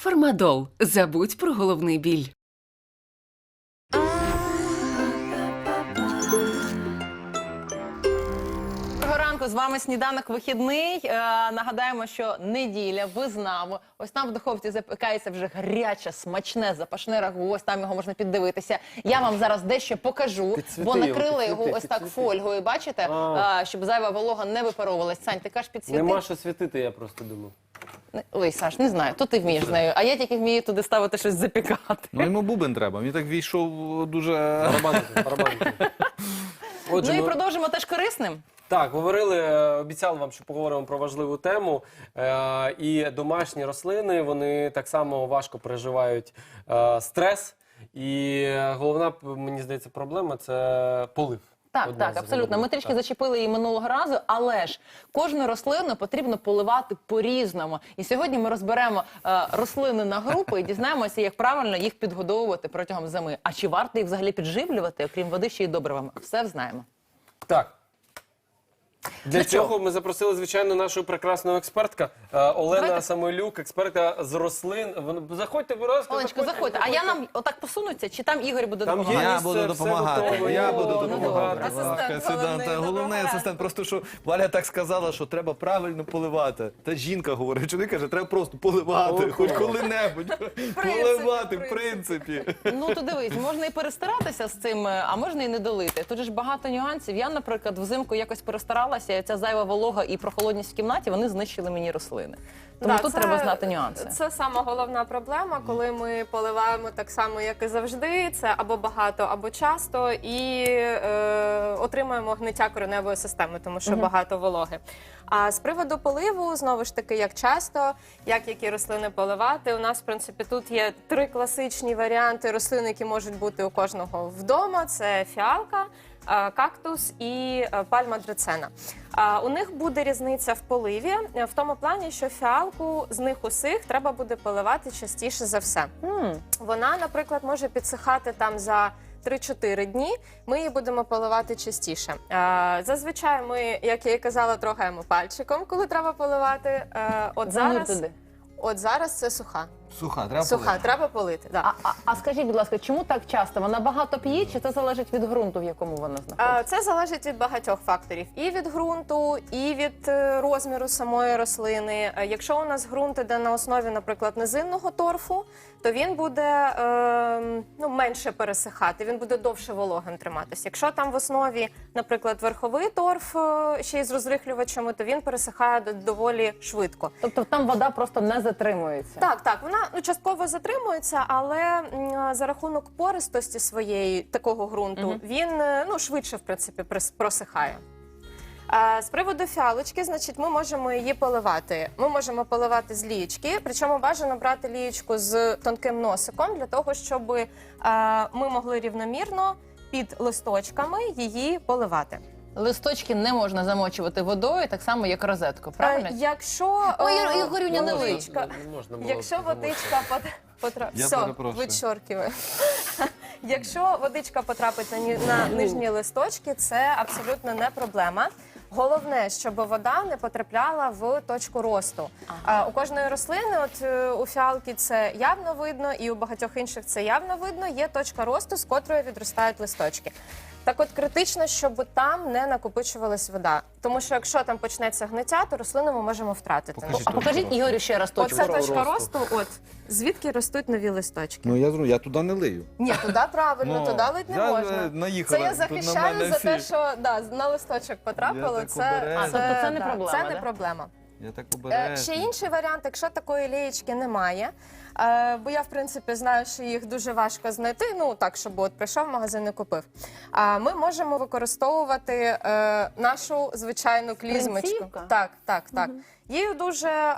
Фармадол. Забудь про головний біль. Доброго ранку, з вами «Сніданок вихідний». Нагадаємо, що неділя, визнаву. Ось там в духовці запікається вже гаряче, смачне, запашне рагу. Ось там його можна піддивитися. Я вам зараз дещо покажу, бо накрили його ось так фольгою, бачите? Щоб зайва волога не випаровувалась. Сань, ти кажеш підсвіти? Нема що світити, я просто думав. Ой, Саш, не знаю, то ти вмієш з нею. А я тільки вмію туди ставити щось запікати. Ну йому бубен треба, він так війшов дуже... Барабанити. Отже, Ну і продовжимо теж корисним. Так, обіцяли вам, що поговоримо про важливу тему. І домашні рослини, вони так само важко переживають стрес. І головна, мені здається, проблема – це полив. Так, Одна так, з абсолютно. головних. Ми трішки Так. зачепили її минулого разу, але ж кожну рослину потрібно поливати по-різному. І сьогодні ми розберемо рослини на групи і дізнаємося, як правильно їх підгодовувати протягом зими. А чи варто їх взагалі підживлювати, окрім води, ще й добривами? Все знаємо. Так. Для Ну, цього ми запросили, звичайно, нашу прекрасну експертка Олена Давайте. Самойлюк, експертка з рослин. Заходьте, будь ласка. Оленечко, заходьте. А я нам отак посунуться, чи там Ігор буде Там є допомагати? Я місце, буду все допомагати. готово. Я буду О, ну, допомагати. добре. Будь ласка, Асистент Головний головний, асистент. доброго Просто що Валя так сказала, що треба правильно поливати. Та жінка говорить, чоловік каже, треба просто поливати, О, хоч клас. коли-небудь. Поливати, в принципі. Ну, то дивись, можна і перестаратися з цим, а можна і не долити. Тут же ж багато нюансів. Я, наприклад, взимку якось перестаралася, і ця зайва волога і прохолодність в кімнаті, вони знищили мені рослини. Тому Да, тут це- треба знати нюанси. Це сама головна проблема, коли ми поливаємо так само, як і завжди. Це або багато, або часто, і отримуємо гниття кореневої системи, тому що багато вологи. А з приводу поливу, знову ж таки, як часто, які рослини поливати, у нас, в принципі, тут є 3 класичні варіанти рослин, які можуть бути у кожного вдома. Це фіалка, кактус і пальма драцена. У них буде різниця в поливі, в тому плані, що фіалку з них усіх треба буде поливати частіше за все. Вона, наприклад, може підсихати там за 3-4 дні, ми її будемо поливати частіше. Зазвичай ми, як я і казала, трогаємо пальчиком, коли треба поливати. Занур туди. От зараз це суха. Суха, треба Суха, полити. треба полити. Да. А скажіть, будь ласка, чому так часто? Вона багато п'є, чи це залежить від ґрунту, в якому вона знаходиться? Це залежить від багатьох факторів. І від ґрунту, і від розміру самої рослини. Якщо у нас ґрунт іде на основі, наприклад, низинного торфу, то він буде менше пересихати, він буде довше вологим триматися. Якщо там в основі, наприклад, верховий торф ще й з розрихлювачами, то він пересихає доволі швидко. Тобто там вода просто не затримується? Так, вона частково затримується, але за рахунок пористості своєї такого ґрунту він швидше, в принципі, просихає. З приводу фіалочки, значить, ми можемо її поливати. Ми можемо поливати з лієчки, причому бажано брати лієчку з тонким носиком, для того, щоб ми могли рівномірно під листочками її поливати. Листочки не можна замочувати водою, так само, як розетку, правильно? Якщо Ой, Ігорюня, не лий. Якщо водичка потрапить... Я Все, перепрошую. відчоркиваю. Якщо водичка потрапить на нижні листочки, це абсолютно не проблема. Головне, щоб вода не потрапляла в точку росту. У кожної рослини, от у фіалки це явно видно, і у багатьох інших це явно видно, є точка росту, з котрої відростають листочки. Так от критично, щоб там не накопичувалась вода. Тому що якщо там почнеться гниття, то рослину ми можемо втратити. Покажіть. А покажіть Ігорю ще раз точку. Оце точка росту, от звідки ростуть нові листочки. Ну я туди не лию. Ні, туди правильно, Ну, туди лить не я, можна. наїхала Це я тут на захищаю мене за те, всі. що на листочок потрапило. Я так Це, обережно. А, тобто це не проблема, Це не да? проблема. Я так обережно. Ще інший варіант, якщо такої лієчки немає, бо я, в принципі, знаю, що їх дуже важко знайти, так, щоб от прийшов в магазин і купив. Ми можемо використовувати нашу звичайну клізмочку. Принцівка? Так. Її дуже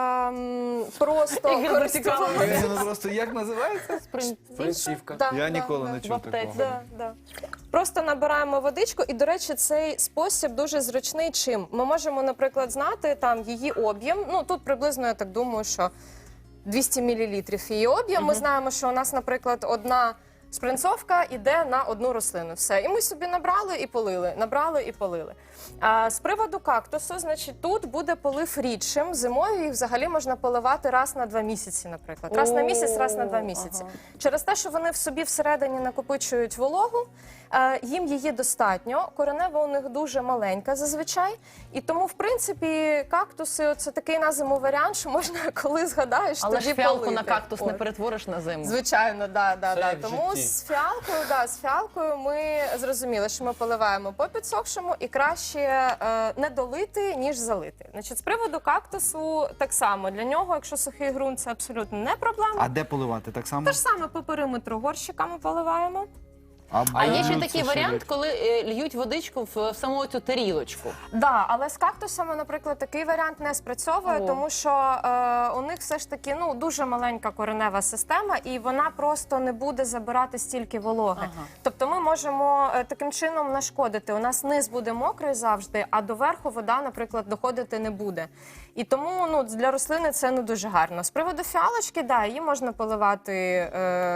просто Ігор користуватися. Ну просто як називається? Принцівка. Да, Я да, ніколи да. не чув такого. Да. Просто набираємо водичку, і, до речі, цей спосіб дуже зручний чим. Ми можемо, наприклад, знати там її об'єм. Тут приблизно, я так думаю, що 200 мл її об'єм. Ми знаємо, що у нас, наприклад, одна Шпринцовка йде на одну рослину. Все. І ми собі набрали і полили, набрали і полили. А з приводу кактусу, значить, тут буде полив рідшим. Зимою їх взагалі можна поливати раз на 2 місяці, наприклад. Раз на місяць, раз на 2 місяці. Через те, що вони в собі всередині накопичують вологу, їм її достатньо. Коренева у них дуже маленька зазвичай. І тому, в принципі, кактуси – це такий на зиму варіант, що можна, коли згадаєш, Але тоді ж фіалку полити. на кактус не От. перетвориш на зиму. Звичайно, да. як в Тому житті. з фіалкою ми зрозуміли, що ми поливаємо по підсохшому і краще не долити, ніж залити. Значить, з приводу кактусу так само. Для нього, якщо сухий ґрунт, це абсолютно не проблема. А де поливати? Так само? Те ж саме по периметру горщиками поливаємо. А є ще це такий що варіант, як? коли льють водичку в саму цю тарілочку. Да, але з кактусами, наприклад, такий варіант не спрацьовує, О. тому що у них все ж таки дуже маленька коренева система, і вона просто не буде забирати стільки вологи. Ага. Тобто ми можемо таким чином нашкодити. У нас низ буде мокрий завжди, а до верху вода, наприклад, доходити не буде. І тому для рослини це не дуже гарно. З приводу фіалочки, да, її можна поливати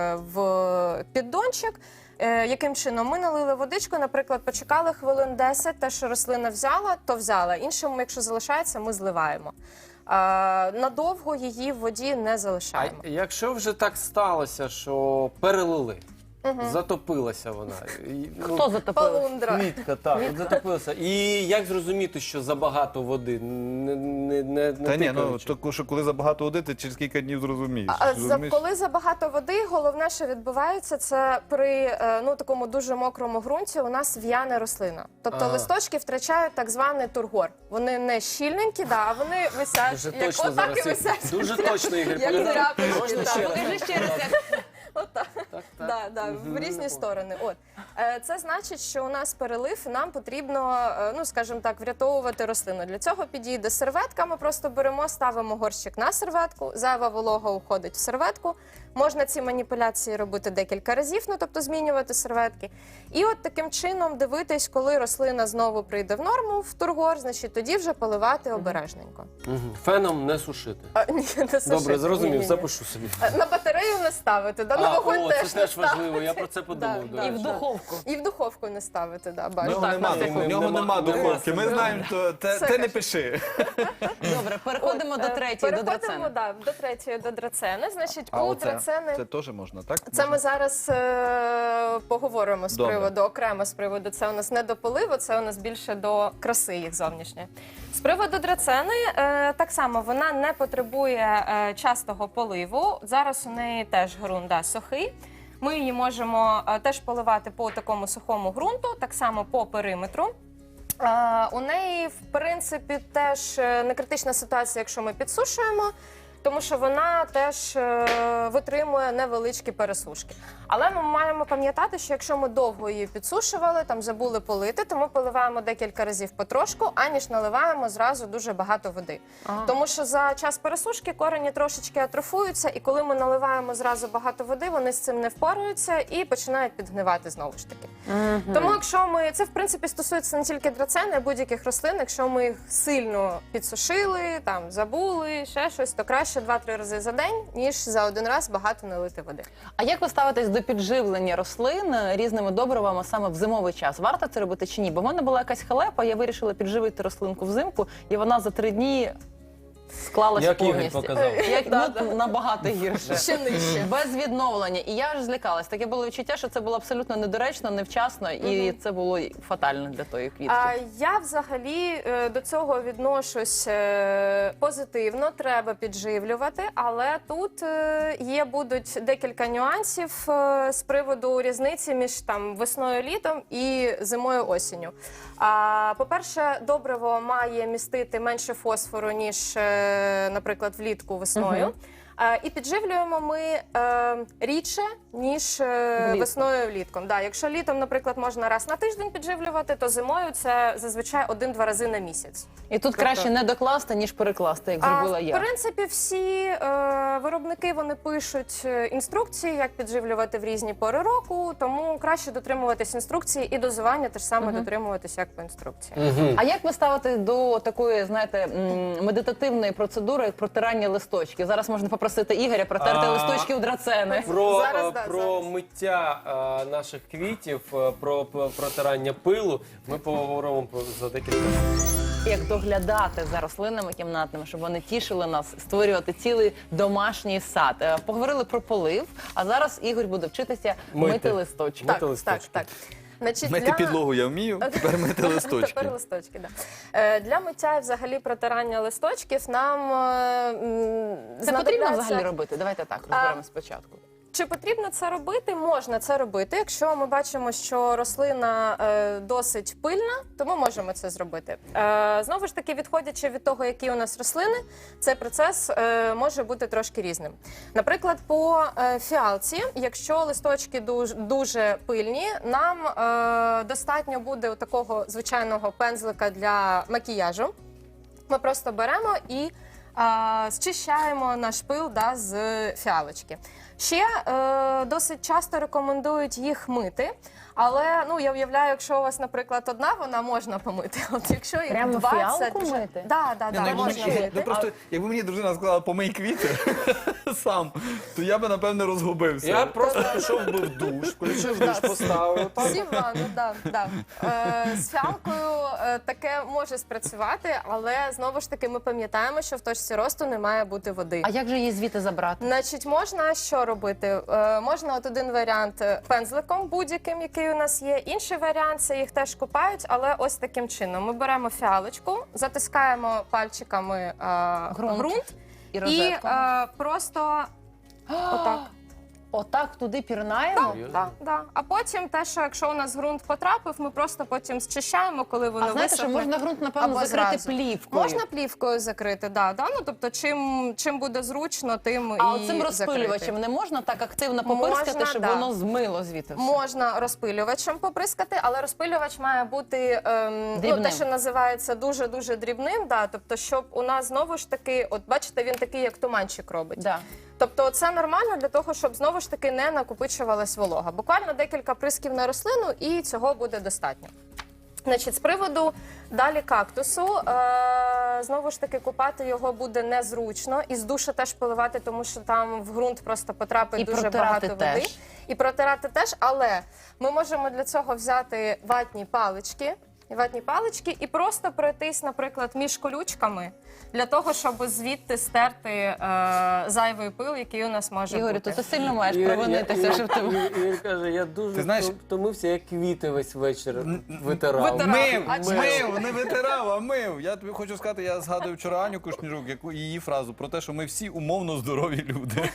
в піддончик. Яким чином? Ми налили водичку, наприклад, почекали хвилин 10, те, що рослина взяла, то взяла. Іншому, якщо залишається, ми зливаємо. Надовго її в воді не залишаємо. А якщо вже так сталося, що перелили, затопилася вона. Хто затопив? Полундра. Квітка, так, от затопилася. І як зрозуміти, що забагато води? Не Та ні, тикаючи? то що коли забагато води, ти через кілька днів зрозумієш. Розумієш? Коли забагато води, головне, що відбувається, це при такому дуже мокрому ґрунті у нас в'яне рослина. Тобто Ага. листочки втрачають так званий тургор. Вони не щільненькі, а вони висять, Дуже як точно отак і зараз. висять. Дуже точно, Ігор. Як Поліна. тряпочки, Можна так. ще раз? Покажи ще раз, як Отак. Так, В різні сторони. Це значить, що у нас перелив, і нам потрібно, скажімо так, врятовувати рослину. Для цього підійде серветка. Ми просто беремо, ставимо горщик на серветку, зайва волога уходить в серветку. Можна ці маніпуляції робити декілька разів, тобто змінювати серветки. І от таким чином дивитись, коли рослина знову прийде в норму, в тургор, значить тоді вже поливати обережненько. Мгм. Феном не сушити. Ні, не сушити. Добре, зрозумів, Ні-ні-ні. запишу собі. На батарею не ставити, на вогонь О, теж це не теж важливо, ставити. я про це подумав. Да, да. і в духовку. І в духовку не ставити, да, В бачу. нього так, нема, так, в нього нема духовки. Ми нема. знаємо, то Все те не каже. пиши. Добре, переходимо до третьої, до драцени. До третьої, до драцени. Значить, А у оце? драцени... Це теж можна, так? Це ми зараз поговоримо з Добре. приводу, окремо з приводу. Це у нас не до поливу, це у нас більше до краси їх зовнішньої. З приводу драцени, так само, вона не потребує частого поливу. Зараз у неї теж ґрунт сухий. Ми її можемо теж поливати по такому сухому ґрунту, так само по периметру. У неї, в принципі, теж не критична ситуація, якщо ми підсушуємо, тому що вона теж витримує невеличкі пересушки. Але ми маємо пам'ятати, що якщо ми довго її підсушували, там забули полити, то ми поливаємо декілька разів потрошку, аніж наливаємо зразу дуже багато води. Тому що за час пересушки корені трошечки атрофуються, і коли ми наливаємо зразу багато води, вони з цим не впораються і починають підгнивати знову ж таки. Тому якщо ми, це в принципі стосується не тільки драцени, а будь-яких рослин, якщо ми їх сильно підсушили, там забули, ще щось, то краще 2-3 рази за день, ніж за один раз багато налити води. А як ви ставитесь до підживлення рослин різними добривами саме в зимовий час? Варто це робити чи ні? Бо в мене була якась халепа, я вирішила підживити рослинку взимку, і вона за 3 дні склалась Як Ігор повністю. показав. Набагато гірше. Ще нижче. Без відновлення. І я ж злякалась. Таке було відчуття, що це було абсолютно недоречно, невчасно, і це було фатально для тої квітки. Я взагалі до цього відношусь позитивно, треба підживлювати, але тут будуть декілька нюансів з приводу різниці між весною, літом і зимою, осінню. По-перше, добриво має містити менше фосфору, ніж, наприклад, влітку весною. І підживлюємо ми рідше, ніж весною влітком. Да, якщо літом, наприклад, можна раз на тиждень підживлювати, то зимою це зазвичай 1-2 рази на місяць. І тут краще не докласти, ніж перекласти, як зробила В я. принципі, всі виробники вони пишуть інструкції, як підживлювати в різні пори року, тому краще дотримуватись інструкції і дозування теж саме дотримуватись, як по інструкції. А як ви ставите до такої, знаєте, медитативної процедури, як протирання листочків? Зараз можна попросити попросити Ігоря протерти листочки у драцени. Зараз, да, Про зараз. миття наших квітів, про протирання пилу ми поговоримо за декілька хвилин. Як доглядати за рослинами кімнатними, щоб вони тішили нас, створювати цілий домашній сад. Поговорили про полив, а зараз Ігор буде вчитися мити листочки. Мити Так, листочки. так. Значить, Мити підлогу я вмію, тепер мити листочки. Тепер листочки, да. Для миття і взагалі протирання листочків нам Це потрібно знадобляться- взагалі робити? Давайте так розберемо спочатку. Чи потрібно це робити? Можна це робити. Якщо ми бачимо, що рослина досить пильна, то ми можемо це зробити. Знову ж таки, відходячи від того, які у нас рослини, цей процес може бути трошки різним. Наприклад, по фіалці, якщо листочки дуже пильні, нам достатньо буде такого звичайного пензлика для макіяжу. Ми просто беремо і зчищаємо наш пил з фіалочки. Ще досить часто рекомендують їх мити, але я уявляю, якщо у вас, наприклад, одна, вона можна помити. От якщо їх Прямо 20, фіалку вже... мити? Да, Якби можна мені- мити. просто, якби мені дружина сказала, помий квіти сам, то я би, напевне, розгубився. Я просто пішов би в душ, включив душ, поставив. Всі в ванну, да. З фіалкою таке може спрацювати, але знову ж таки ми пам'ятаємо, що в точці росту не має бути води. А як же її звідти забрати? Значить, можна що робити? Можна от один варіант пензликом будь-яким, який у нас є. Інший варіант це їх теж купають, але ось таким чином. Ми беремо фіалочку, затискаємо пальчиками ґрунт І і розетку? просто отак. Отак туди пірнаємо? Да. А потім те, що якщо у нас ґрунт потрапив, ми просто потім зчищаємо, коли воно А знаєте, що висохне. можна ґрунт, напевно, або закрити зразу. плівкою? Можна плівкою закрити, да. Ну, тобто, чим буде зручно, тим А і оцим розпилювачем закрити. не можна так активно попирскати, Можна, щоб да. воно змило звідти все? Можна розпилювачем поприскати, але розпилювач має бути Дрібним. те, що називається дуже-дуже дрібним. Да, тобто, щоб у нас знову ж таки, от бачите, він такий, як туманчик робить. Да. Тобто це нормально для того, щоб знову ж таки не накопичувалась волога. Буквально декілька присків на рослину і цього буде достатньо. Значить, з приводу далі кактусу, знову ж таки, купати його буде незручно. І з душа теж поливати, тому що там в ґрунт просто потрапить І дуже протирати багато води. теж. І протирати теж, але ми можемо для цього взяти ватні палички і просто пройтись, наприклад, між колючками, для того, щоб звідти стерти зайвий пил, який у нас може Ігорю, бути. то ти сильно маєш провинитися, що в тебе... Ігор каже, я Ти дуже знаєш- втомився, я квіти весь вечір витирав. Мив, не витирав, а мив. Я тобі хочу сказати, я згадую вчора Аню Кушнірук, її фразу про те, що ми всі умовно здорові люди.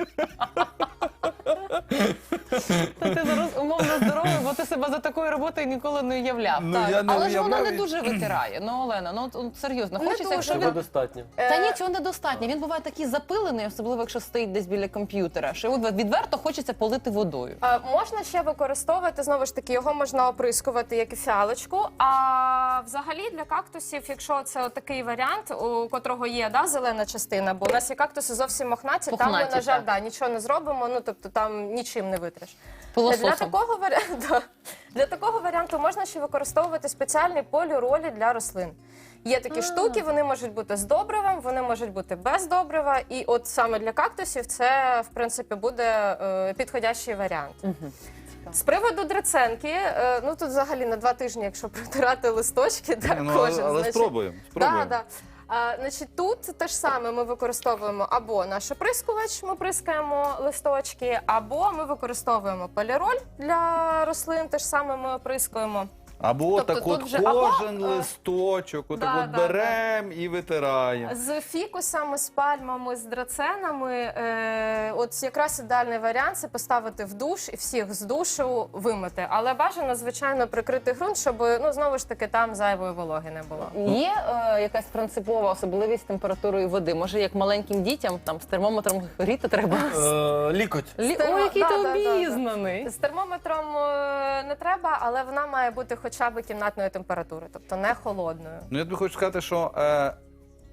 Та ти зараз умовно здоровий, бо ти себе за такою роботою ніколи не уявляв. Ну, Так. я не Але ж воно уявляв не і- дуже витирає. Ну, Олена, от серйозно, Не хочеться, дуже. якщо Цього він... достатньо. Та ні, цього недостатньо. Він буває такий запилений, особливо якщо стоїть десь біля комп'ютера, що от відверто хочеться полити водою. Можна ще використовувати, знову ж таки, його можна оприскувати, як і фіалочку. А взагалі для кактусів, якщо це такий варіант, у котрого є зелена частина, бо у нас є кактуси зовсім мохнаті, там ми, Пухнаті, на жаль, так. нічого не зробимо, тобто там нічим не витриш. Пилососом. Для такого варіанту можна ще використовувати спеціальні поліролі для рослин. Є такі штуки, вони можуть бути з добривом, вони можуть бути без добрива. І от саме для кактусів це, в принципі, буде підходящий варіант. З приводу драценки, тут взагалі на 2 тижні, якщо протирати листочки, кожен. Але значить, спробуємо. Да. Значить, тут те ж саме ми використовуємо або наш оприскувач, ми прискаємо листочки, або ми використовуємо поліроль для рослин, те ж саме ми оприскуємо. Або Тобто так тут от вже- кожен або, листочок, отак да, беремо і витираємо. З фікусами, з пальмами, з драценами, от якраз ідеальний варіант – це поставити в душ і всіх з душу вимити. Але бажано, звичайно, прикрити ґрунт, щоб, знову ж таки, там зайвої вологи не було. Є якась принципова особливість температурою води? Може, як маленьким дітям там з термометром гріти треба? Лікоть. Ой, який ти Да. обізнаний! З термометром не треба, але вона має бути хоча б кімнатної температури, тобто не холодною. Ну, я тобі хочу сказати, що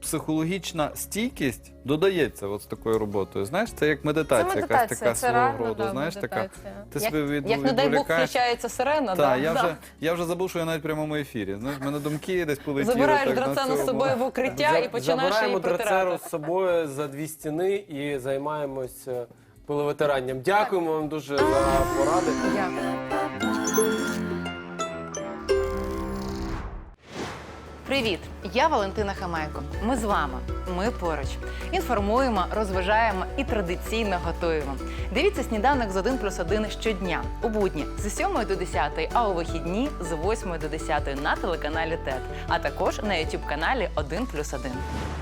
психологічна стійкість додається от з такою роботою. Знаєш, це як медитація, якась така це свого реально, роду. да, Знаєш, така. медитація. Ти себе Як не дай Бог відволікаєш. включається сирена, Так, да. я вже забув, що я навіть в прямому ефірі. Знаєш, в мене думки десь полетіли. Забираєш так, на драцену з цьому. собою в укриття і починаєш її Забираємо драцеру протирати. з собою за 2 стіни і займаємось пиловитиранням. Дякуємо вам дуже за поради. Дякую. Привіт, я Валентина Хамайко. Ми з вами. Ми поруч. Інформуємо, розважаємо і традиційно готуємо. Дивіться «Сніданок з 1+1» щодня. У будні з 7 до 10, а у вихідні з 8 до 10 на телеканалі ТЕТ, а також на YouTube-каналі 1+1.